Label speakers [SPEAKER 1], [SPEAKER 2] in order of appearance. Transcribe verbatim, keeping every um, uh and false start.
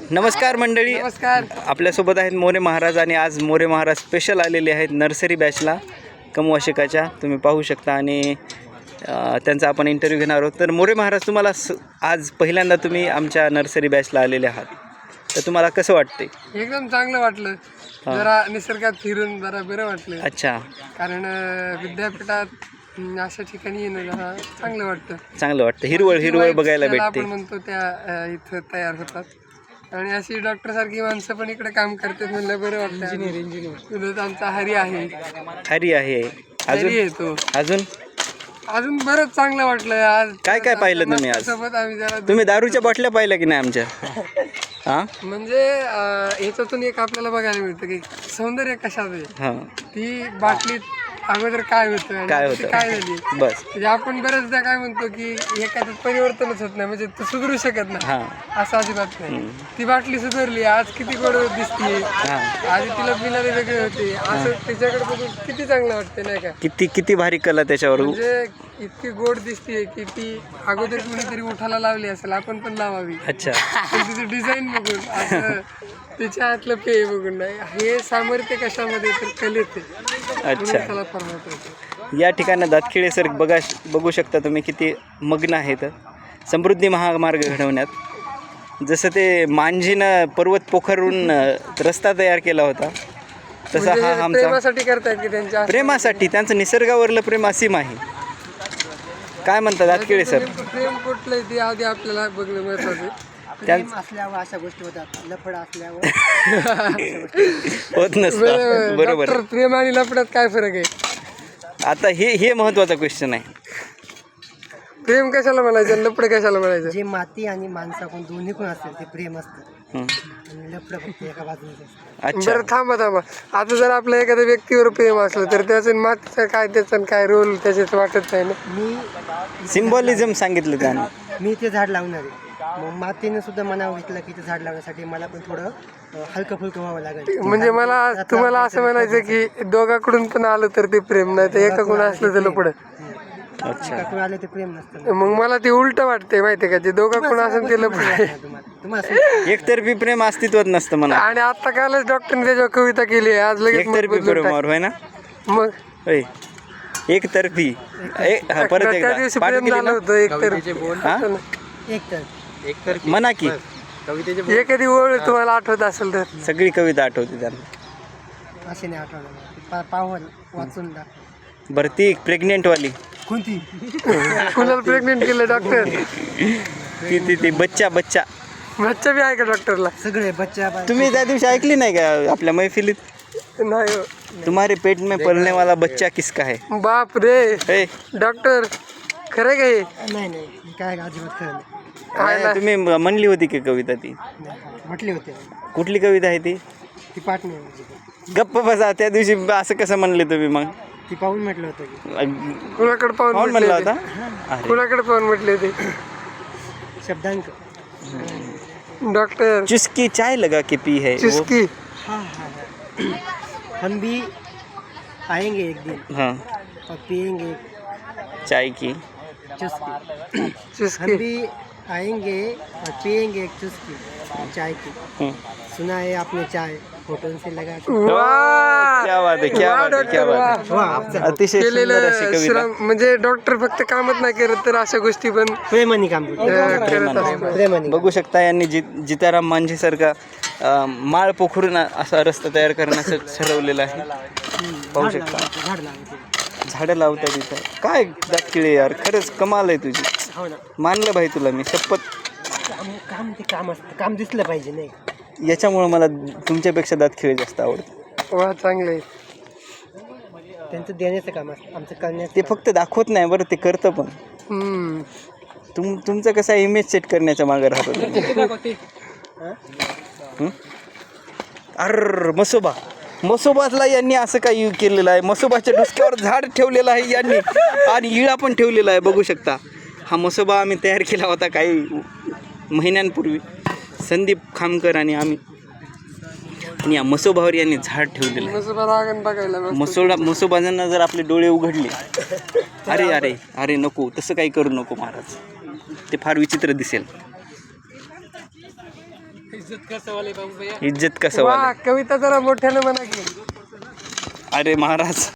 [SPEAKER 1] नमस्कार मंडळी,
[SPEAKER 2] नमस्कार.
[SPEAKER 1] आपल्यासोबत आहेत मोरे महाराज आणि आज मोरे महाराज स्पेशल आलेले आहेत नर्सरी बॅचला कमवाशिकाच्या. तुम्ही पाहू शकता आणि अ, त्यांचा आपण इंटरव्ह्यू घेणार आहोत. तर मोरे महाराज, तुम्हाला स आज पहिल्यांदा तुम्ही आमच्या नर्सरी बॅचला आलेले आहात, तर तुम्हाला कसं वाटते?
[SPEAKER 2] एकदम चांगलं वाटलं. जरा निसर्गात फिरून जरा बरं वाटलं.
[SPEAKER 1] अच्छा,
[SPEAKER 2] कारण अं, विद्यापीठात अं, अशा ठिकाणी येणं जरा चांगलं वाटतं.
[SPEAKER 1] चांगलं वाटतं. हिरवळ हिरवळ बघायला
[SPEAKER 2] ज्याला
[SPEAKER 1] भेटते.
[SPEAKER 2] आपण म्हणतो त्या अं, इथं तयार होतात आणि अशी डॉक्टर सारखी माणसं पण इकडे काम करतात म्हणलं बरं वाटतं. इंजिनियर इंजिनियर आमचा हरी आहे.
[SPEAKER 1] हरी आहे.
[SPEAKER 2] हरी
[SPEAKER 1] अजून
[SPEAKER 2] येतो.
[SPEAKER 1] अजून
[SPEAKER 2] अजून बरंच चांगलं वाटलं आज.
[SPEAKER 1] काय काय पाहिलं तुम्ही आज?
[SPEAKER 2] सोबत आम्ही जरा
[SPEAKER 1] तुम्ही दारूच्या बाटल्या पाहिल्या की नाही आमच्या? हां
[SPEAKER 2] म्हणजे अं, ह्याच्यातून एक आपल्याला बघायला मिळतं की सौंदर्य कशात आहे.
[SPEAKER 1] हां,
[SPEAKER 2] ती बाटलीत अगोदर काय होतं आणि
[SPEAKER 1] काय
[SPEAKER 2] आता
[SPEAKER 1] होतं?
[SPEAKER 2] ती काय झाली.
[SPEAKER 1] बस.
[SPEAKER 2] म्हणजे आपण बऱ्याचदा काय म्हणतो की एखाद्यात परिवर्तनच होत नाही, म्हणजे तू सुधरू शकत नाही.
[SPEAKER 1] हां
[SPEAKER 2] असं अजिबात नाही. ती बाटली सुधारली, आज किती गोड दिसते.
[SPEAKER 1] हां,
[SPEAKER 2] आधी तिला पिणारे वेगळे होते, असं त्याच्याकडे बघून किती चांगलं वाटते नाही का.
[SPEAKER 1] किती किती भारी कला त्याच्यावर.
[SPEAKER 2] म्हणजे इतकी गोड दिसते की ती अगोदर कुणीतरी उठायला लावली असेल, आपण पण लावावी.
[SPEAKER 1] अच्छा,
[SPEAKER 2] पण तिचं डिझाईन बघून असं तिच्या हातलं पेय बघून नाही, हे सामर्थ्य कशामध्ये तर कलेत आहे.
[SPEAKER 1] अच्छा.
[SPEAKER 2] त्याला फार महत्त्व आहे.
[SPEAKER 1] या ठिकाणी दातखिळे सर बघा बघू शकता तुम्ही किती मग्न आहेत समृद्धी महामार्ग घडवण्यात. जसं ते मांजीनं पर्वत पोखरून रस्ता तयार केला होता, तसा
[SPEAKER 2] म्हणजे
[SPEAKER 1] हा
[SPEAKER 2] हे
[SPEAKER 1] आमचा
[SPEAKER 2] प्रेमासाठी करतायत की त्यांच्या
[SPEAKER 1] प्रेमासाठी, त्यांचं निसर्गावरलं प्रेम असीम आहे. काय म्हणतात दातखिळे सर?
[SPEAKER 2] नेमकं प्रेम कुठलं आहे ते आधी आपल्याला बघणं महत्वाचं आहे.
[SPEAKER 1] त्यांचं
[SPEAKER 3] असल्यावर अशा गोष्टी होतात, लफड असल्यावर
[SPEAKER 1] होत नसतं.
[SPEAKER 2] बरोबर.
[SPEAKER 1] बरोबर.
[SPEAKER 2] डॉक्टर, प्रेम आणि लफड्यात काय फरक आहे?
[SPEAKER 1] आता हे हे महत्त्वाचा क्वेश्चन आहे.
[SPEAKER 2] प्रेम कशाला म्हणायचं, लफड कशाला म्हणायचं?
[SPEAKER 3] जे माती आणि माणसाकडून दोन्ही कोण असेल ते प्रेम असतं
[SPEAKER 1] हं.
[SPEAKER 3] आणि लफड फक्त एका बाजूने असतं.
[SPEAKER 1] अच्छा,
[SPEAKER 2] बरं थांबा थांबा आता जर आपल्या एखाद्या व्यक्तीवर प्रेम असलं तर त्याचं मातीचं काय, त्याचं काय रोल त्याच्यात वाटत नाही ना.
[SPEAKER 3] मी
[SPEAKER 1] सिम्बॉलिझम सांगितलं त्यानं.
[SPEAKER 3] मी ते झाड लावणार आहे, मग मातीने सुद्धा मनावर घेतलं की ते झाड लावण्यासाठी मला पण थोडं अं, हलकं फुलकं व्हावं लागेल.
[SPEAKER 2] म्हणजे मला तुम्हाला असं म्हणायचं की दोघाकडून पण आलं तर ते प्रेम, नाही तर एकाकडून असलं तर लफड.
[SPEAKER 1] अच्छा,
[SPEAKER 3] कोण आले ते प्रेम नसतं.
[SPEAKER 2] मग मला ते उलट वाटते माहितीये का, जे दोघाकडून असेल ते लफड आहे.
[SPEAKER 3] तुम्हाला तुम्हाला
[SPEAKER 1] एकतर्फी प्रेम अस्तित्वात नसतं म्हणा.
[SPEAKER 2] आणि आता कालच डॉक्टरने त्याच्यावर कविता केली आहे, आज लगेच मत
[SPEAKER 1] एकतर्फी
[SPEAKER 2] बदलून
[SPEAKER 1] प्रेमावर होय ना?
[SPEAKER 2] टाक. मग
[SPEAKER 1] होय, एकतर्फी. ए, हा, परत
[SPEAKER 2] त्या
[SPEAKER 1] एकदा
[SPEAKER 2] दिवशी
[SPEAKER 1] पाठ
[SPEAKER 2] प्रेम
[SPEAKER 1] केली
[SPEAKER 2] झालं
[SPEAKER 1] ना?
[SPEAKER 2] होतं एक तर
[SPEAKER 1] हा?
[SPEAKER 3] एक तर
[SPEAKER 1] म्हणा की
[SPEAKER 2] एखादी ओळ तुम्हाला आठवत असेल तर.
[SPEAKER 1] सगळी कविता आठवते त्यांना.
[SPEAKER 3] असे नाही आठवलं, पा पाहून वाचून दाखव.
[SPEAKER 1] बरं, ती प्रेग्नेंट वाली
[SPEAKER 3] कोणती?
[SPEAKER 2] कुणाला प्रेग्नेंट केलं डॉक्टर?
[SPEAKER 1] ती ती ती बच्चा बच्चा
[SPEAKER 2] बच्चा बी आहे का डॉक्टरला?
[SPEAKER 3] सगळे बच्चा बा-
[SPEAKER 1] तुम्ही त्या दिवशी ऐकली नाही का आपल्या मैफिलीत?
[SPEAKER 2] नाही हो.
[SPEAKER 1] तुम्हारे पेट में पलने वाला बच्चा किसका है?
[SPEAKER 2] बाप रे
[SPEAKER 1] ए,
[SPEAKER 2] डॉक्टर, खरं का हे?
[SPEAKER 3] नाही नाही हे काय अजिबात खरं नाही.
[SPEAKER 2] आहे ना.
[SPEAKER 1] तुम्ही म्हणली होती की कविता ती?
[SPEAKER 3] नाही, म्हटले होते
[SPEAKER 1] कुठली कविता आहे ती?
[SPEAKER 3] ती पाठ नाही म्हणजे.
[SPEAKER 1] गप्प बसा. त्या दिवशी असं कसं म्हणले तुम्ही मग?
[SPEAKER 3] ती पाहून म्हटलं होतं की
[SPEAKER 2] कुणाकडे पाहून
[SPEAKER 1] कोण
[SPEAKER 2] म्हटले
[SPEAKER 1] म्हणला
[SPEAKER 2] होते?
[SPEAKER 1] होता? अरे,
[SPEAKER 2] कुणाकडे पाहून म्हटले ते
[SPEAKER 3] शब्दांक.
[SPEAKER 2] डॉक्टर?
[SPEAKER 1] चुस्की चाय लगा के पी है वो.
[SPEAKER 2] चुस्की.
[SPEAKER 3] हाँ हाँ हाँ। हम भी आएंगे एक दिन
[SPEAKER 1] हाँ,
[SPEAKER 3] और पिएंगे
[SPEAKER 1] चाय की.
[SPEAKER 3] चुस्की. हम
[SPEAKER 2] चुस्की.
[SPEAKER 3] भी आएंगे और पिएंगे एक चुस्की चाय की.
[SPEAKER 1] हं.
[SPEAKER 3] सुना है आपने चाय होटल से लगा के.
[SPEAKER 2] वाह!
[SPEAKER 1] क्या बात आहे, क्या
[SPEAKER 2] वाह,
[SPEAKER 1] बात आहे, क्या
[SPEAKER 2] डॉक्टर,
[SPEAKER 1] बात आहे.
[SPEAKER 3] वाह, आपचं
[SPEAKER 1] अतिशय सुंदर अशी
[SPEAKER 2] केलेलं
[SPEAKER 1] कविता.
[SPEAKER 2] श्रम म्हणजे डॉक्टर फक्त कामच नाही करत तर अशा गोष्टी पण
[SPEAKER 3] प्रेमाने काम करतो.
[SPEAKER 2] अं, करत
[SPEAKER 1] प्रेमाने.
[SPEAKER 2] असतो.
[SPEAKER 3] प्रेमाने.
[SPEAKER 1] बघू शकता यांनी जि जिताराम मांझीसारखा अं, माळ पोखरून असा रस्ता तयार करण्याचं ठरवलेलं आहे. पाहू
[SPEAKER 3] झाड
[SPEAKER 1] शकता.
[SPEAKER 3] लावायचं, झाड लावायचं.
[SPEAKER 1] झाडं लावतात इथं. काय दाखिळे यार, खरंच कमाल आहे तुझी.
[SPEAKER 3] हो ना.
[SPEAKER 1] मानलं भाई तुला मी शपथ.
[SPEAKER 3] काम काम ते काम असतं, काम दिसलं पाहिजे नाही.
[SPEAKER 1] याच्यामुळं मला तुमच्यापेक्षा दातखिळे जास्त आवडतं.
[SPEAKER 2] वा चांगले.
[SPEAKER 3] त्यांचं देण्याचं काम असतं, आमचं करण्याचं.
[SPEAKER 1] ते फक्त दाखवत नाही बरं, ते करतं पण.
[SPEAKER 2] हम्म.
[SPEAKER 1] तुम तुमचं कसं आहे, इमेज सेट करण्याच्या मागे राहतो तुम्ही. हं? अर्र मसोबा मसोबाला यांनी असं काही केलेलं आहे. मसोबाच्या डुसक्यावर झाड ठेवलेलं आहे यांनी आणि इळा पण ठेवलेला आहे. बघू शकता. हा मसोबा आम्ही तयार केला होता काही महिन्यांपूर्वी, संदीप खामकर आणि आम्ही. आणि या मसोबावर यांनी झाड ठेवलेलं आहे.
[SPEAKER 2] मसोबा रागण बघायला मस्त.
[SPEAKER 1] मसोबा मसोबाजांना जर आपले डोळे उघडले, अरे अरे अरे नको, तसं काही करू नको महाराज, ते फार विचित्र दिसेल. इज्जत कसं
[SPEAKER 2] वा
[SPEAKER 1] वाले
[SPEAKER 2] कविता जरा मोठ्यानं म्हणा की
[SPEAKER 1] अरे महाराज